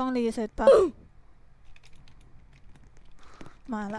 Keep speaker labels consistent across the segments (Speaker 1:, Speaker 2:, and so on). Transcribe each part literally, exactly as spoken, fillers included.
Speaker 1: ต้องรีเซ็ตปะ มาละ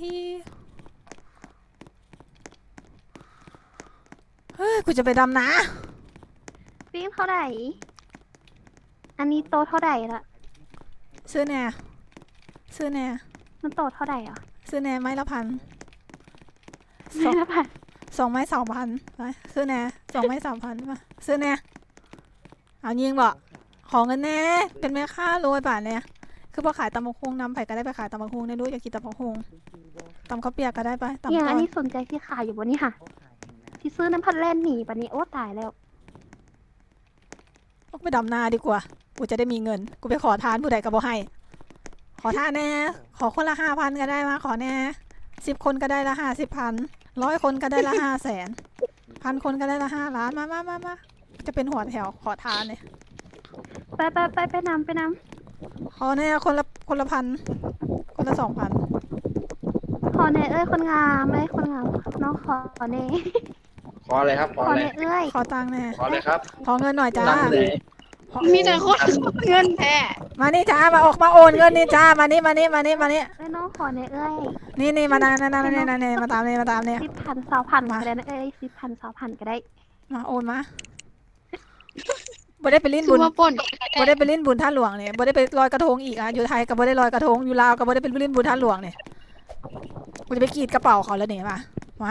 Speaker 1: เฮ้ยกูจะไปดำนะ
Speaker 2: ฟิล์มเท่าไหร่อันนี้โตเท่าไหร่ละ
Speaker 1: ซื้อแน่ซื้อแน่
Speaker 2: มันโตเท่าไหร่อ่ะ
Speaker 1: ซื้อแน่ไม้ละพัน
Speaker 2: ไม้ละพัน
Speaker 1: สองไม้สองพันไปซื้อแน่สองไม้สามพันมาซื้อแน่เอายิงบอกขอเงินแน่เป็นแม่ค้ารวยป่านเนี่ยคือพอขายตำบักหุ่งนำไผ่ก็ได้ไปขายตำบักหุ่งในรู้อยากกินตำบักหุ่งตำข้าวเปียกก็ได้ไปตำ
Speaker 2: อย่าง
Speaker 1: ก้
Speaker 2: อั
Speaker 1: อน น
Speaker 2: นี้สนใจที่ขายอยู่บนนี้ค่ะที่ซื้อน้ำพัดแล่นหนีปะนี้โอ้ตายแล้ว
Speaker 1: ไปดำนาดีกว่ากูจะได้มีเงินกูไปขอทานผู้ใดก็บ่ให้ขอทานแน่ขอคนละห้าพันก็ได้มาขอแน่สิบคนก็ได้ละห้าสิบพันร้อยคนก็ได้ละห้าแสนพันคนก็ได้ละห้าล้านมามามามาจะเป็นหัวแถวขอทานเนี่ย
Speaker 2: ไปไปไปไปนำไปน
Speaker 1: ำขอแน่คนละคนละพันคนละสองพัน
Speaker 2: ขอเน่เอ้ยคนงามเอ้ยคนงามน้องขอเน่
Speaker 3: ขอเลยครับขอเลย
Speaker 2: เอ้ย
Speaker 1: ขอตังค์แน่
Speaker 3: ขอเลยครับ
Speaker 1: ขอเงินหน่อยจ้า
Speaker 4: มีแต่คนเงินแท้
Speaker 1: มานี่จ้ามาออกมาโอนเงินนี่จ้ามานี่มานี่มานี่มานี่
Speaker 2: เอ้ยน้องขอเน่เอ้ย
Speaker 1: นี่นี่มานั่นนั่นนั่นนี่นี่มาตามนี่มาตามนี่
Speaker 2: สิบพันสองพันก็ได้นะเอ้ยสิบพันสองพันก็ได้
Speaker 1: มาโอนมาบ่ได้ไปลิ้นบุญบ่ได้ไปลิ้นบุญท่าหลวงเนี่ยบ่ได้ไปลอยกระทงอีกอ่ะอยู่ไทยก็บ่ได้ลอยกระทงอยู่ลาวก็บ่ได้ไปลิ้นบุญท่าหลวงเนี่ยกูจะไปกรีดกระเป๋าเขาแล้วเนี่ยมามา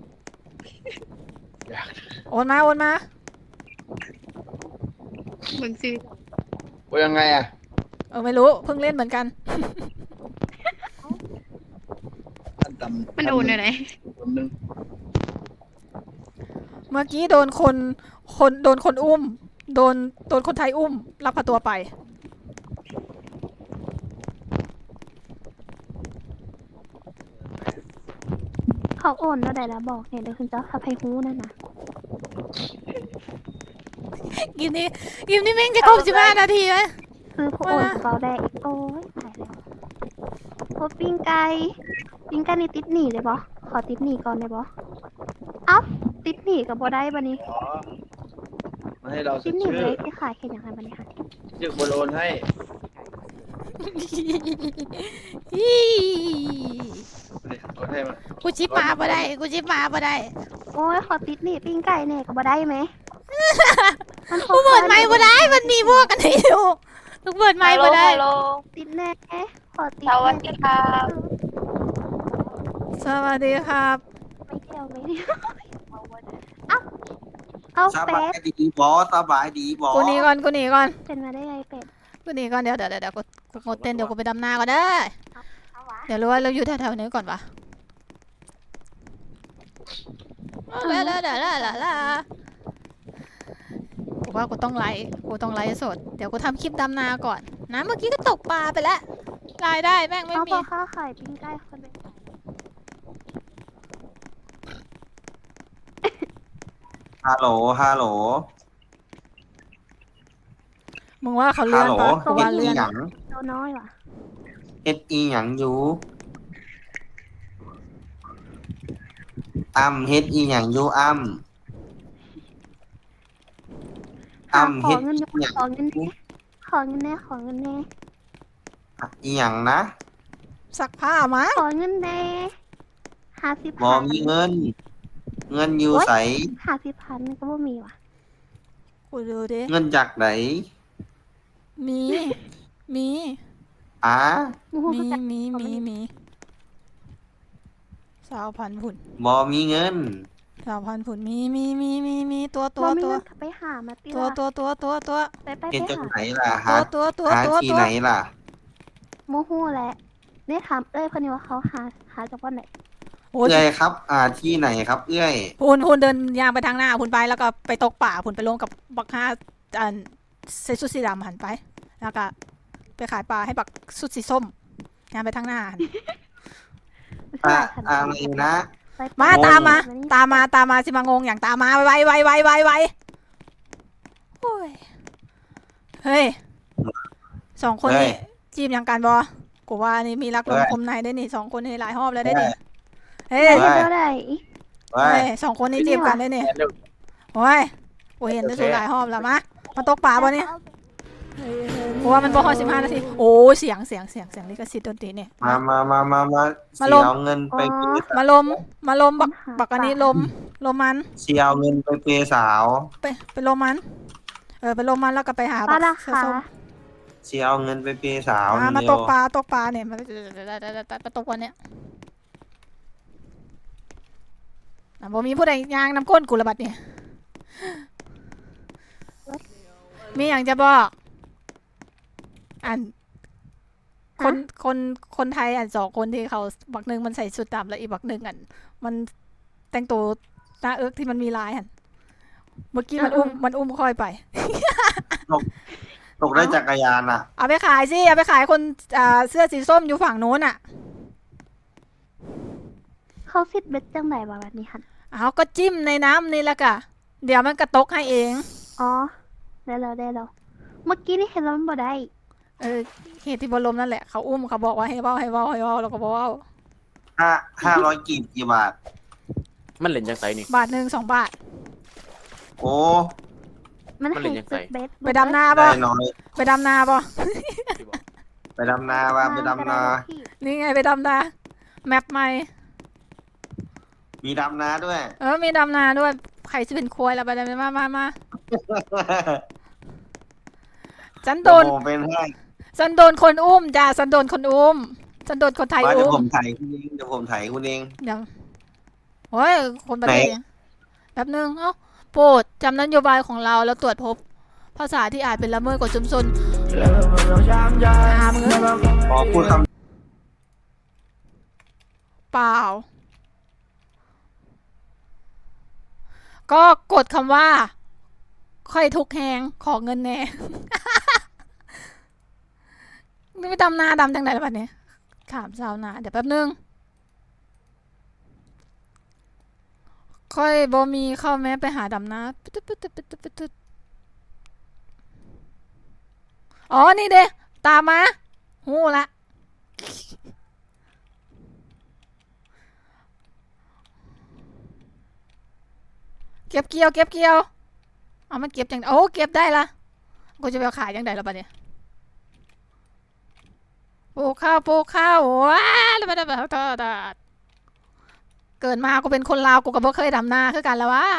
Speaker 1: โอนมาโอนมา
Speaker 4: เหมือนซื้อ
Speaker 3: โอนยังไงอ่ะ
Speaker 1: เออไม่รู้เพิ่งเล่นเหมือนกัน
Speaker 4: มันโอนอะไร
Speaker 1: เมื่อกี้โดนคนคนโดนคนอุ้มโดนโดนคนไทยอุ้มลักพาตัวไป
Speaker 2: เขาโอนแล้วได้แล้วบอกเนี่ยเดี๋ยวคุณเจ้าขับให้ฮู้นั่นนะ
Speaker 1: กิมนี่กิมนี่แม่งจะครบสิบห้านาทีไหม
Speaker 2: ซื้อผู้โอนกระเป๋าแดงอีกโอ้ยตายแล้วพบปิ้งไก่ปิ้งไก่นี่ติดหนีเลยบอขอติดหนีก่อนเลยบอเอ้าติดหนีกับบ่ได้บันนี้
Speaker 3: มาให้เรา
Speaker 2: ติดหนี
Speaker 3: ชื่อ
Speaker 2: เลยที่ขายแค่อย่างไรบันนี้ค่ะ
Speaker 3: ชื่อคนโอนให้โอนให้มา
Speaker 1: กูชิปมาบ่ได้กูชิปมาบ่ได้
Speaker 2: โอ้ยขอติดหนีปิ้งไก่เนี่ยกับบ่ได้ไหม
Speaker 1: กูเปิดไมค์บ่ได้มันมีพวกกันอยู่กูเปิดไมค์บ่ได้
Speaker 2: ติดแน่ขอติด
Speaker 4: สวัสดีครับ
Speaker 1: สวัสดีครับ
Speaker 2: ไม่เที่ยวไม่เที่ยวเอ้าเอาเป็ด
Speaker 5: สบายดีบอสบายดีบอ
Speaker 1: กูหนีก่อนกูหนีก่อน
Speaker 2: เป็นมาได้ไงเป็ด
Speaker 1: กูหนีก่อนเดี๋ยวเดี๋ยวเดี๋ยวกูกูงดเต้นเดี๋ยวกูไปดำนาก่อนเด้อเดี๋ยวรู้ว่าเราอยู่แถวๆนี้ก่อนปะลาลาลาลาลาลากูว่ากูต้องไลฟ์กูต้องไลฟ์สดเดี๋ยวกูทำคลิปดำนาก่อนนะเมื่อกี้ก็ตกปลาไปแล้วรายได้แม่งไม่มี
Speaker 2: เอาข้าวขายปิ้งไก่คนเป็น
Speaker 5: ฮัลโหลฮัลโหล
Speaker 1: มึงว่าเขาเลื่อนปะเขาว่าเลื่อน
Speaker 2: ตัวน้อยว่ะ
Speaker 5: เอ็ดอีหยังอยู่อ้ำเฮ็ดอีหยังอยู่อ้ำอ้ำเฮ็ดอีหยัง
Speaker 2: ขอเงินขอเงินแน่ขอเงินแน่
Speaker 5: อีหยังนะ
Speaker 1: ซักผ้ามา
Speaker 2: ขอเงินแน่ห้าสิบ
Speaker 5: บ่มีเงินเงินอยู่ใส
Speaker 2: ห้าสิบพันก็บ่มีว่ะ
Speaker 1: กูดูดิ
Speaker 5: เงินจากไหน
Speaker 1: มีมี
Speaker 5: อ่ะ
Speaker 1: มีมีมีมีสาวพันผุน
Speaker 5: บ่มีเงิน
Speaker 1: สาวพันผุนมีมีมีมีมีตัวตัวตัว
Speaker 2: ไปหามาตี
Speaker 1: ตัวตัวตัวตัวตัว
Speaker 2: ไปไป
Speaker 5: ไปหาไหนล่ะ
Speaker 1: ฮะตัวตัวตัว
Speaker 5: ที่ไหนล่ะ
Speaker 2: โมโหแหละเนี่ยถามเอ้ยคนนี้ว่าเขาหาหาจากวันไหน
Speaker 5: เอื้อยครับอ่าที่ไหนครับเอื้อย
Speaker 1: พุนพุนเดินยางไปทางหน้าพุนไปแล้วก็ไปตกป่าพุนไปลงกับบักฮาอันใส่ชุดสีดำหันไปแล้วก็ไปขายปลาให้บักชุดสีส้มยางไปทางหน้า
Speaker 5: อ่าอะไรนะ
Speaker 1: มาตามมาตามมาตามมาสิมางงอย่างตามมาไวไวไวไวไวโอ้ยเฮ้ยสองคนนี่จีบอย่างการบอกูว่านี่มีรักลมคมในได้นี่สองคนนี่หลายรอบแล้วได้นี่เฮ้ย
Speaker 2: เท่าไหร่
Speaker 1: เฮ้ยสองคนนี้จีบกันได้นี่โอ้ยกูเห็นได้สุดหลายรอบแล้วมะมาตกปลาบ่เนี่ยโอ้กูว่ามันบ่ฮอดสิบห้านาทีโอ้เสียงเสียงเสียงเสียงลิขสิทธิ์ดนตรีเนี่ย
Speaker 5: มามามามามา
Speaker 1: มา
Speaker 5: เสี
Speaker 1: ล
Speaker 5: ย
Speaker 1: ง
Speaker 5: เอาเงินไปเปย์
Speaker 1: มาลมมาลมบักบักอันนี้ลมลมมัน
Speaker 5: เสียเอาเงินไปเปย์สาว
Speaker 1: ไปไปลมมัน เออไปลมมันแล้วก็ไปหา
Speaker 2: ปลา
Speaker 1: บัก
Speaker 2: รา
Speaker 1: เสื้อ
Speaker 2: คา
Speaker 1: ส้ม
Speaker 5: เสียเอาเงินไปเปย์สาว
Speaker 1: อ่ามา
Speaker 5: เร็
Speaker 1: ต
Speaker 5: ว
Speaker 1: กปลาตกปลาเนี่ยมามาตกวันเนี้ยอ่ะบ่มีผู้ใดยางน้ำก้นกูระบัดเนี่ยมีอย่างจะบอกอันคนคนคนไทยอันสองคนที่เขาบักหนึ่งมันใส่ชุดดำแล้วอีกบักหนึ่งอันมันแต่งตัวหน้าเอิกที่มันมีลายอันเมื่อกี้มันอุ้มมันอุ้มค่อยไป
Speaker 5: ตกได้จักรยานอ่ะ
Speaker 1: เอาไปขายสิเอาไปขายคนอ่าเสื้อสีส้มอยู่ฝั่งโน้นอ่ะ
Speaker 2: เขาสิทธิ์เบ็ดจังไหนบ่แบบนี้หัน
Speaker 1: เอาก็จิ้มในน้ำนี่แหละกะเดี๋ยวมันกระตกให้เอง
Speaker 2: อ๋อได้แล้วได้แล้วเมื่อกี้นี่เห็นแล้วมันบ่ได้
Speaker 1: เออเหตุที่บรมนั่นแหละเขาอุ้มเขาบอกว่าให้เว้าให้เว้าให้เว้าแล้วก็บอกว่า
Speaker 5: ห้าห้าร้อยกีบกี่บาท
Speaker 6: มันเล่นจังไสนี่
Speaker 1: บาทหนึ่งสองบาท
Speaker 5: โอ้
Speaker 2: มัน
Speaker 6: มันเล่
Speaker 2: ให้
Speaker 6: นยังไง
Speaker 2: ตึกเบ็ด
Speaker 1: ไปดำนา
Speaker 5: ได้
Speaker 1: ป่ะ
Speaker 5: น้อย
Speaker 1: ไปดำนาป่ะ
Speaker 5: ไปดำนาว่าไปดำนา
Speaker 1: นี่ไงไปดำนาแมปใหม่
Speaker 5: มีดำนาด้วย
Speaker 1: เออมีดำนาด้วยใครจะเป็นควายละไปดำมามามาฉันโดน
Speaker 5: เยวผมเป็นให้
Speaker 1: ฉันโดนคนอุ้มจ้าฉันโดนคนอุ้มฉันโดนคนไทย
Speaker 5: ว่าเดี๋ยว
Speaker 1: อุ้
Speaker 5: ผม มถ่ายคุณเองเดี๋ยวผมถ่ายคุณเอง
Speaker 1: เดี๋ยวโอ้ยคนประเทศ
Speaker 5: ไหน
Speaker 1: เนี่ยแป๊บนึงเอ้าโปรดจำนโยบายของเราแล้วตรวจพบภาษาที่อาจเป็นละเมิดกฎชุมชนอ่ามึงเอ้ย
Speaker 5: ขอพูดค
Speaker 1: เปล่า ก็กดคำว่า ค่อยทุกแหงขอเงินแน่ นี่ไม่ดำนาดำจังไหนแล้วบัดนี้ถามชาวนาเดี๋ยวแป๊บนึง ค่อยบ่มีเข้าแม้ไปหาดำนาปึ๊ดตึ๊ดปึ๊ดตึ๊ดปึ๊ดตึ๊ดปึ๊ดตึ๊ดอ๋อ นี่เด้ตามมาหูละ เก็บเกี่ยวเก็บเกี่ยวเอามันเก็บจังโอ้เก็บได้ละกูจะไปเอาขายจังไดแล้วบัดเนี่ยปลูกข้าวปลูกข้าวว้าแล้วมันแบบเกิดมากูเป็นคนลาวกูก็บ่เคยดำนาคือกันแล้ววะ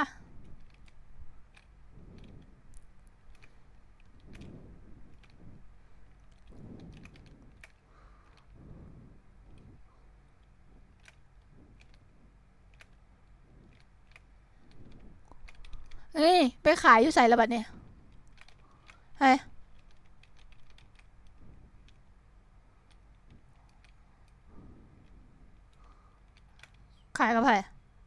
Speaker 1: เฮ้ยไปขายอยู่ใส่ละบัดเนี่ยเฮ้ยขายกับใคร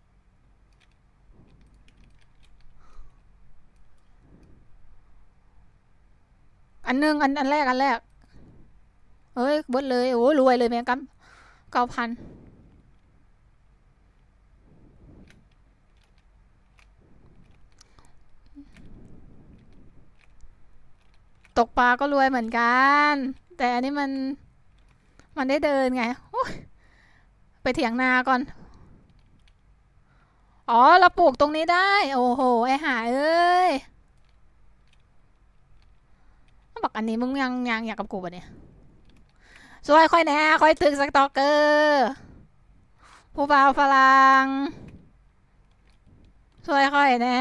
Speaker 1: อันหนึงอันอันแรกอันแรกเฮ้ยเบิดเลยโอ้รวยเลยแม่งกัเก้าพันตกปลาก็รวยเหมือนกัน แต่อันนี้มัน มันได้เดินไงโอ้ยไปเถียงนาก่อน อ๋อ เราปลูกตรงนี้ได้ โอ้โห ไอหาเอ้ยบอกอันนี้มึงยังยังอยากกับกูปะเนี่ยสวยค่อยแน่ค่อยถึงสตอกเกอร์ผู้บ่าวฝรั่งสวยค่อยแน่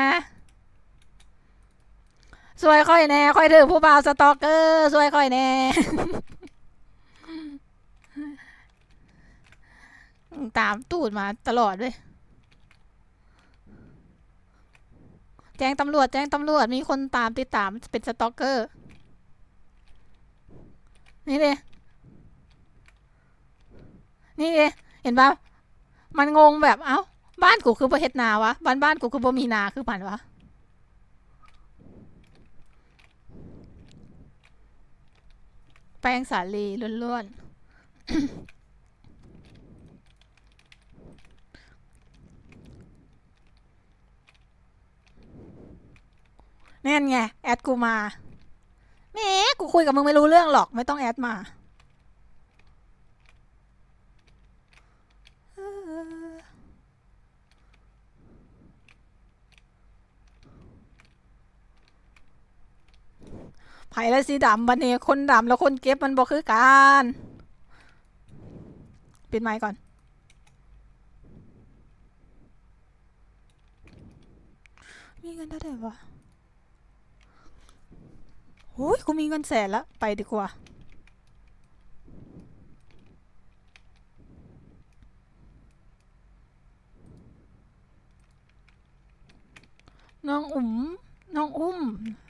Speaker 1: สวยค่อยแน่ค่อยถึงผู้บ่าวสตอกเกอร์สวยค่อยแน่ ตามตูดมาตลอดเลยแจ้งตำรวจแจ้งตำรวจมีคนตามติดตามเป็นสตอกเกอร์นี่เลยนี่เลยเห็นปะมันงงแบบเอ้าบ้านกูคือประเทศนาวะบ้านบ้านกูคือบ่มีนาคือมันวะแป้งสาลีล้วนๆ นั่นไงแอดกูมาแหมกูคุยกับมึงไม่รู้เรื่องหรอกไม่ต้องแอดมาไผ่และสีดำบันนี้คนดำแล้วคนเก็บมันบ่คือกันปิดไมค์ก่อนมีเงินเท่าไหร่วะโอ้ยกูมีเงินแสนแล้วไปดีกว่าน้องอุ๋มน้องอุ้ม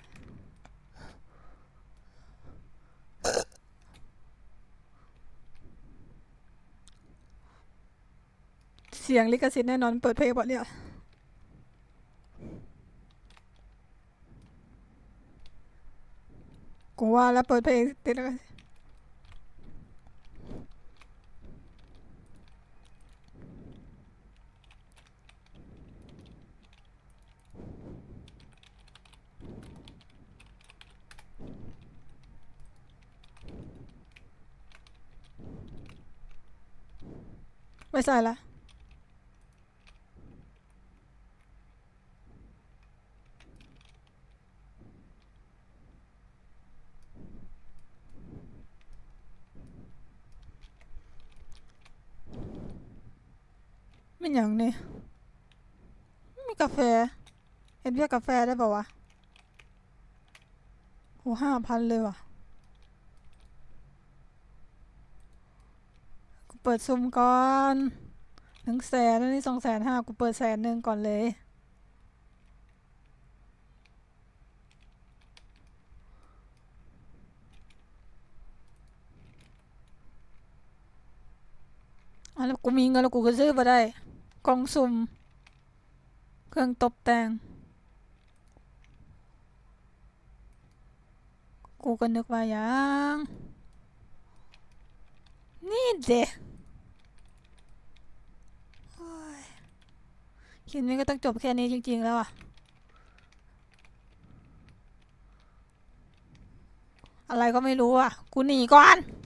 Speaker 1: เสียงลิขสิทธิ์แน่นอนเปิดเพลงบ่เนี่ยกูว่าแล้วเปิดเพลงติดแล้วกันไม่ใส่ละไม่อย่างนี้มีกาแฟเห็นเรียกกาแฟได้ป่าวะโหห้าพันเลยว่ะกูเปิดซุมก่อนหนึ่งแสนนี่สองแสนห้ากูเปิดแสนหนึ่งก่อนเลยอ่ะแล้วกูมีเงินแล้วกูก็ซื้อมาได้กล่องซุ่มเครื่องตกแต่งกูก็นึกว่าอย่างนี่เด็คลิปนี้ก็ต้องจบแค่นี้จริงๆแล้วอ่ะอะไรก็ไม่รู้อ่ะกูหนีก่อน